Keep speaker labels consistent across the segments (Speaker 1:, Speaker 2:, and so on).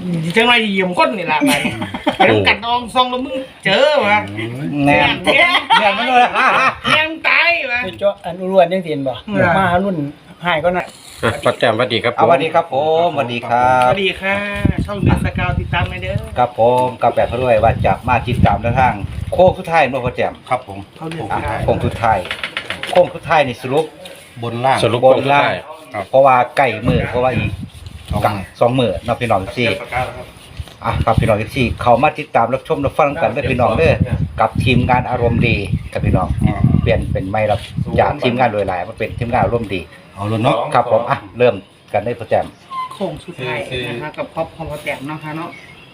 Speaker 1: จังไรเหยี่ยมก้นนี่ล่ะไปต้องกัดนองซองแล้วมึงเจอวะ
Speaker 2: แน่นมันเลย
Speaker 1: แทงตายวะ
Speaker 3: เจ้าอันรวนยังเตียนบ่มารุ่นหายก็น่ะ
Speaker 4: ประแจมสวัสดีครับ
Speaker 2: สวัสดีครับผมสวัสดีครั
Speaker 1: ส
Speaker 2: บ
Speaker 1: วัสดีค่ะช่องเดือนสกาวติดตามกันเด้อ
Speaker 2: ครับผมกับแบบเขาด้วยว่าจะมาติดตามทางโค้งสุดท้ายเมื่อพอแจมครับผม
Speaker 1: เขาเดือน
Speaker 2: โค้งสุดท้ายนี่สรุปบนล่าง
Speaker 4: สรุป
Speaker 2: บ
Speaker 4: คน น
Speaker 2: ล่า
Speaker 4: ได้
Speaker 2: งเพราะว่าใกล้มือเพราะว่าอีกสองมือน้องพี่น้องที่ครับพี่น้องที่เขามาติดตามรับชมรับฟังกันด้วยพี่น้องเด้อกับทีมงานอารมณ์ดีกับพี่น้องเปลี่ยนเป็นไม่รับจากทีมงานโดยหลายมาเป็นทีมงานอารมณ์ดีเอาเลยเนาะครับผมเริ่มกันได้พอแจม
Speaker 1: โค้งสุดท้ายนะคะกับครอบของพ่อแต้มเนาะค่ะเนาะ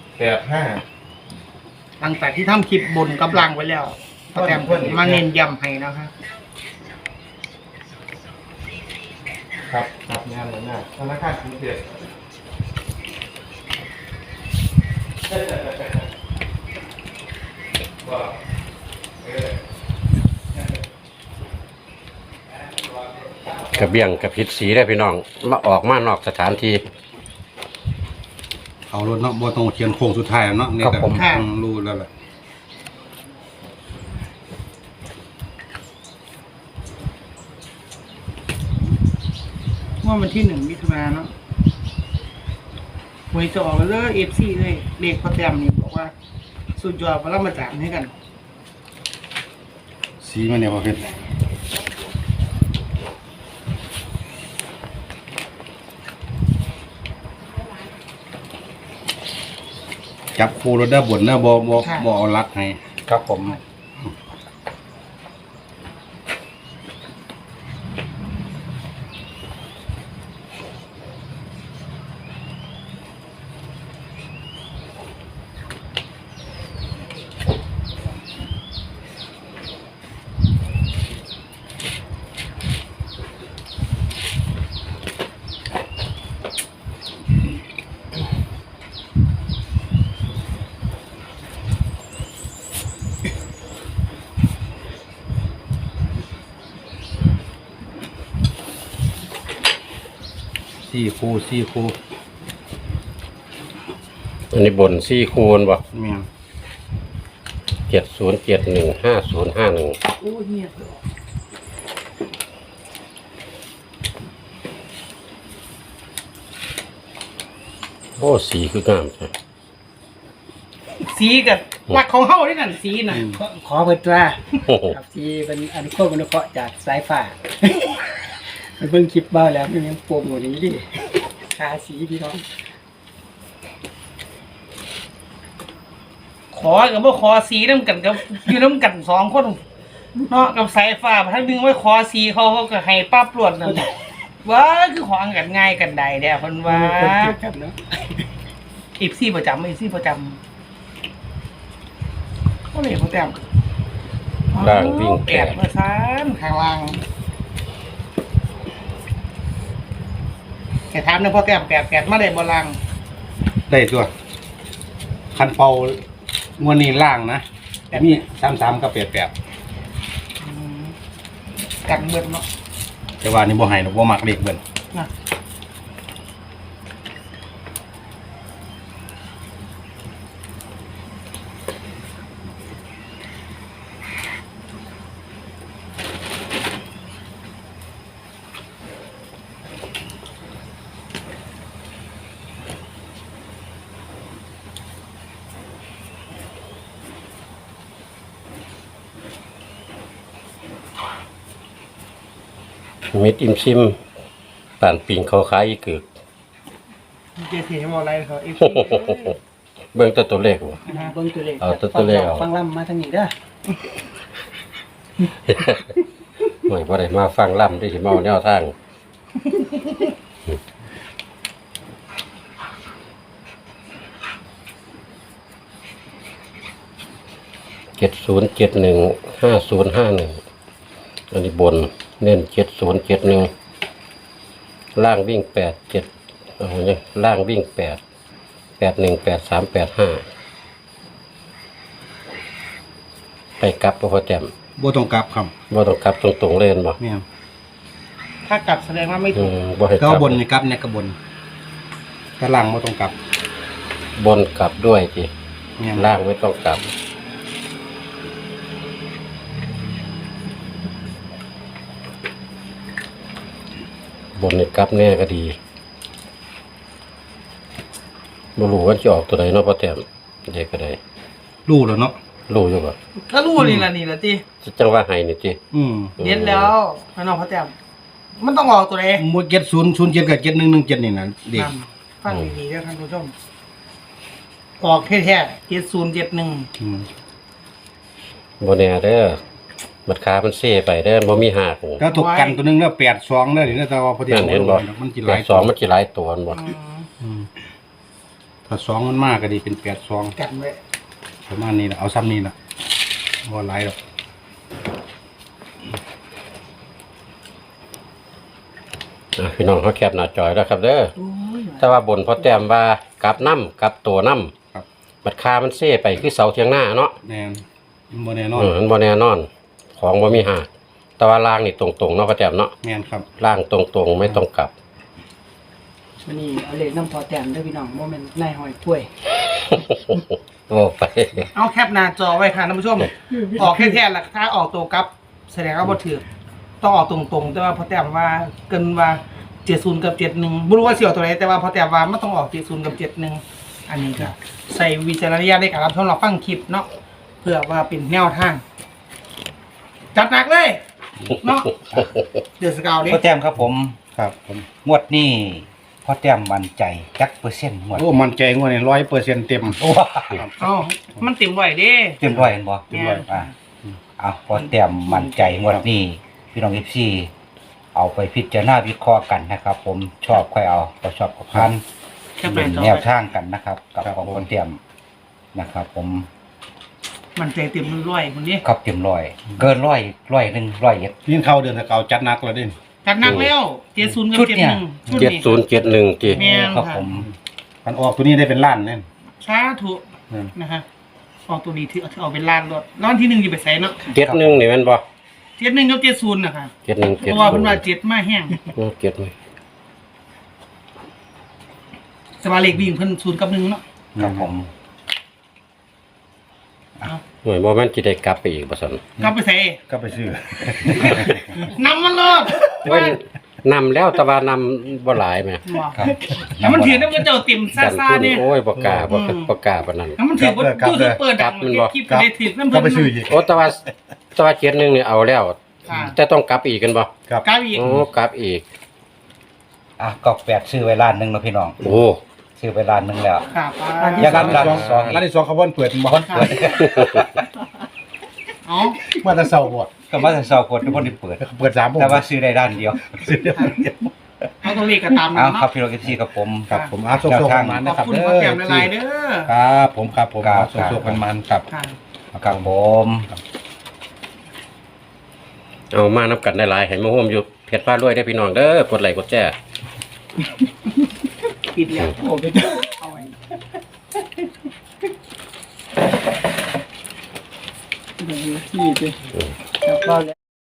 Speaker 5: 85
Speaker 1: หลังจากที่ทำคลิปบนกับลังไว้แล้วพ่อแต้มมาเน้นย้ำให้นะคะ
Speaker 5: ครับครับงานหน้าธนาคารกรุงเทพ
Speaker 4: กระเบี้ยงกระพิษสีได้พี่น้องมาออกมานอกสถานที่
Speaker 6: เอารถเนาะบ่ต้องเขียนโค้งสุดท้ายแล้วเนาะนี่
Speaker 2: ครับ
Speaker 6: แต่
Speaker 2: ผม
Speaker 6: รู้แล้วแหละ
Speaker 1: ว่าวันที่1 มิถุนายนเนาะหวยจะออกเลยเอฟซีเลยเด็กพ่อแต้มนี่บอกว่าสุดยอดพลังมาจารย์ให้กัน
Speaker 6: สีมันเนี่ยพอเพชรจับคู่รถได้บนนะบ่เอาลักให้
Speaker 2: ครับผม
Speaker 6: สี่คู่
Speaker 4: อันนี้บนซี่คูณบ่
Speaker 6: แม่น
Speaker 4: 70715051
Speaker 1: โอ้เงียบเลย
Speaker 4: โอ้สีคืองามใช่
Speaker 1: สีกับหลักของเฮาด้วยนั่นสีน่ะ
Speaker 3: ขอเพิ่นว่า
Speaker 4: โอ้โห
Speaker 3: ครับที่เป็นอนุโคตรอนุเคราะห์จากสายฟ้ามันเพิ่งคลิปบ้าแล้วมันยังโปรโมทอย่างนี้ดิทาสีพี่น้อง
Speaker 1: ขอกับว่าขอสีน้ำกันกับอยู่น้ำกัน2 คนเนาะกับสายฟ้าถ้าดึงไว้ขอสีเขาก็ให้ป้าปลวดนั่นว่าคือของกันง่ายกันใดเด้อเพิ่นว่า
Speaker 3: คนเกลียดกันเนาะ
Speaker 1: อีซี่ประจำก็เลยพ่อแต้ม
Speaker 4: ล่างวิ่ง
Speaker 1: แป
Speaker 4: แป
Speaker 1: ด
Speaker 4: ด
Speaker 1: มาซ้ำข้างล่างแกถามนะพ่อแต้มแปดมาได้บ่ล่าง
Speaker 6: ได้ตัวคันเป่างวดนี้ล่างนะมี33กับ88
Speaker 1: กันเบิดเนาะ
Speaker 6: แต่ว่านี่บ่ให้ดอกบ่มักเลขเบิ่น
Speaker 1: นะ
Speaker 4: มิดอิมซิมป่านปิงเขาขายอีกเกือก
Speaker 1: เจสีให้บอกอะไรเขาอีก
Speaker 4: เบิ่งตัวเลขบ่
Speaker 3: เบิ่งตัวเลข
Speaker 4: เอาตัวเลขเอา
Speaker 3: ฟังลำมาทางนี้เด้อ
Speaker 4: ไม่พอได้มาฟังล่ำได้สิเมาแนวทาง70715051อันนี้บนเน้น7071ล่างวิ่ง87เอาเนี่ยล่างวิ่ง8 818385ไปกลับบ่พอแต้ม
Speaker 6: บ่ต้องกลับครับ
Speaker 4: บ่ต้องกลับตรงๆเล่นบ่
Speaker 6: แม่น
Speaker 1: ถ้ากลับแสดงว่าไม่ถูก
Speaker 4: บ่ให้ก
Speaker 6: ก็
Speaker 4: ลับบ
Speaker 6: นนี่กลับเนี่ยก็บนถ้าล่างบ่ต้องกลับ
Speaker 4: บนกลับด้วยที
Speaker 6: เนี่ย
Speaker 4: ล่างไม่ต้องกลับ บนนี่กลับแน่ก็ดีบ่รู้ว่าจะออกตัวใดเนาะพ่อแต้มเด็กก็ได้
Speaker 6: รู้แล้วเนาะ
Speaker 4: รู้อยู่บ่
Speaker 1: ก็รู้นี่ล่ะติ
Speaker 4: จังว่าให้นี่ติ
Speaker 1: เย็นแล้วพี่น้องพ่อแต้มมันต้องออกตัวใด
Speaker 6: หมด7007กับ7117นี่นะเด็ก
Speaker 1: ฟังดีๆเด้อท่านผู้ชมออกแท้ๆ7071
Speaker 6: อืม
Speaker 4: บ่แน่เด้อบัดขามันเซ่ไปเด้อบ่มีหัก
Speaker 6: แล้วตกกันตัวหนึงแล้ว82เด้อนี่นะแต่ว่าพอดี
Speaker 4: นั่นเห็นบ่
Speaker 6: มันสิหลาย
Speaker 4: 2มันสิหลายตัวนั่นบ่
Speaker 6: อืมถ้า2มันมากก็ดีเป็น82
Speaker 1: กันไว้
Speaker 6: ประมาณนี้ล่ะเอาซ้ำนี้ล่ะบ่หลายดอก
Speaker 4: พี่น้องเฮาแคปหน้าจอยแล้วครับเด้อ
Speaker 1: โอ้ย
Speaker 4: แต่ว่าบนพ่อแต้มว่ากลับน้ำกลับตัวน้
Speaker 6: ครับ
Speaker 4: ำบัดขามันเซ่ไปคือเสาเทียงหน้าเนาะ
Speaker 6: แน่นมันบ่แน่นอน
Speaker 4: มันบ่แน่นอน ของบ่มีหักแต่ว่าล่างนี่ตรงๆเนาะพ่อแต้มเนาะ
Speaker 6: แม่นครับ
Speaker 4: ล่างตรงๆไม่ต้องกลับ
Speaker 3: วันนี้เอาเลขน้ำพอแต้มเด้อพี่น้องบ่แม่นนายหอยถ้วย
Speaker 4: โอ้ไป
Speaker 1: เอาแคปหน้าจอไว้ค่ะท่านผู้ชม ออกแท้ๆล่ะถ้าออกตัวกลับ แสดงว่าบ่ถือต้องออกตรงๆ แต่ว่าพอแต้มว่าเกินว่า70กับ71บ่รู้ว่าสิออกตัวไหนแต่ว่าพอแต้มว่ามันต้องออก70กับ71อันนี้ก็ใส่วิจารณญาณในการรับชมรับฟังคลิปเนาะเพื่อว่าเป็นแนวทาง จัดหนักเลยเนาะเดือดสกาวดิ
Speaker 2: พ่อแต้มครับผม
Speaker 6: ครับผม
Speaker 2: งวดนี้พ่อแต้มมั่นใจจักเปอร์เซ็นต์งวด
Speaker 6: โอ้มันใจงวดนี่100%เต็ม
Speaker 2: โอ้
Speaker 1: เอ้ามันเต็มไว้เด้
Speaker 2: เต็มร้อยเห็นบ่
Speaker 1: เต็มร้อย
Speaker 2: เอาพ่อแต้มมั่นใจงวดนี้พี่น้อง FC เอาไปพิจารณาวิเคราะห์กันนะครับ ผมชอบค่อยเอาบ่ชอบก็พัน
Speaker 1: แคปห
Speaker 2: เป็
Speaker 1: น้าน จอ
Speaker 2: แนว
Speaker 1: ไว้
Speaker 2: ทางกันนะครับ กับของพ่อแต้มนะครับ ผม
Speaker 1: มันใจเต็มร้อยคนนี้
Speaker 2: ครับเต็มร้อยเกินร้อยหนึ่งร้อยเอ็ด
Speaker 6: นี่เข้าเดือนตะเกาจัดหนักแล้วเด้
Speaker 1: จัดหนักแล้ว70กับ
Speaker 2: ชุดเนี่ย
Speaker 1: 71ชุดนี้
Speaker 4: 7071ติ
Speaker 1: แม่น
Speaker 2: ครับ
Speaker 1: ค่ะ
Speaker 2: ผม
Speaker 6: มันออกตัวนี้ได้เป็นล้านแน่น
Speaker 1: สาธุนะฮะออกตัวนี้ถือเอาเป็นล้านรถร้านที่1อยู่ไปใส่เนาะ
Speaker 4: 71นี่แม่นบ่
Speaker 1: 71กับ70นะคะ
Speaker 4: 71
Speaker 1: เพราะว่าเพิ่นว่า7มาแห้ง
Speaker 4: เก็ดไหม
Speaker 1: สมาเลขวิ่งเพิ่น0กับ1เนาะ
Speaker 2: ครับผม
Speaker 4: หน่วยบ่แม่นสิได้กลับไปอีกบ่ซั่น
Speaker 1: กลับไปใส่
Speaker 6: ก็ไปซื้อ
Speaker 1: นำมันรถ
Speaker 4: เว้ยนำแล้วแต่ว่านำบ่หลายแหม
Speaker 2: ครับ
Speaker 1: แล้วมันถือน้ำกระเจ้าติ่มซ่าๆเนี่ย
Speaker 4: โอ้ยบ่กล้าบ่กล้าปานนั้น
Speaker 1: แล้วมันถือว่าตู้เปิดดังคลิปได้ถือน้ำ
Speaker 6: ก็
Speaker 1: เพิ่น
Speaker 6: ไปซื้ออีก
Speaker 4: โอ้แต่ว่า71นี่เอาแล้ว
Speaker 1: ค่ะ
Speaker 4: แต่ต้องกลับอีกกันบ่
Speaker 6: ครับ
Speaker 1: กลับอีก
Speaker 4: โอ้กลับอีก
Speaker 2: กอก8ซื้อไว้ล้านหนึงแล้วพี่น้อง
Speaker 4: โอ้
Speaker 2: ซื้อไว้ล้านหนึงแล้ว
Speaker 1: ค่ะ
Speaker 2: อย่ารับร้าน
Speaker 6: ร้านที่สองเขาบ่อนเปิดบ่อน
Speaker 1: อ๋อ
Speaker 6: มาแต่เช้าบ่
Speaker 2: ก็มาแต่เช้ากดทุกคนได้เปิด
Speaker 6: เปิด3โมง
Speaker 2: แต่ว่าซื้อได้ด้านเดียว
Speaker 6: ซื้อได้ล้านเดียว
Speaker 1: เอาตัวเลขก็ตามนั้
Speaker 2: เอา
Speaker 1: น
Speaker 2: ครับ
Speaker 1: เนาะ
Speaker 2: พี่น้องFCครับผม
Speaker 6: ครับผมอาโซโซกันมัน
Speaker 1: ข
Speaker 6: นะ
Speaker 1: อบ
Speaker 6: ครับ
Speaker 1: คุณ
Speaker 6: เด้
Speaker 1: พ่อแก้ม
Speaker 6: อ
Speaker 1: หลายๆเด้อ
Speaker 6: ครับผมครับผม
Speaker 2: ครับ
Speaker 6: อาโซโซกันมันครับ
Speaker 1: ค่ะ
Speaker 2: ครับผม
Speaker 4: เอามานับกันได้หลายให้มาร่วมอยู่เพชรฟ้ารวยได้พี่น้องเด้อกดไลค์กดแชร์
Speaker 1: ปิดแล้ว
Speaker 3: โอ้ไปเอาไว้เดี๋ยวที่ดิแล้วก็แล้ว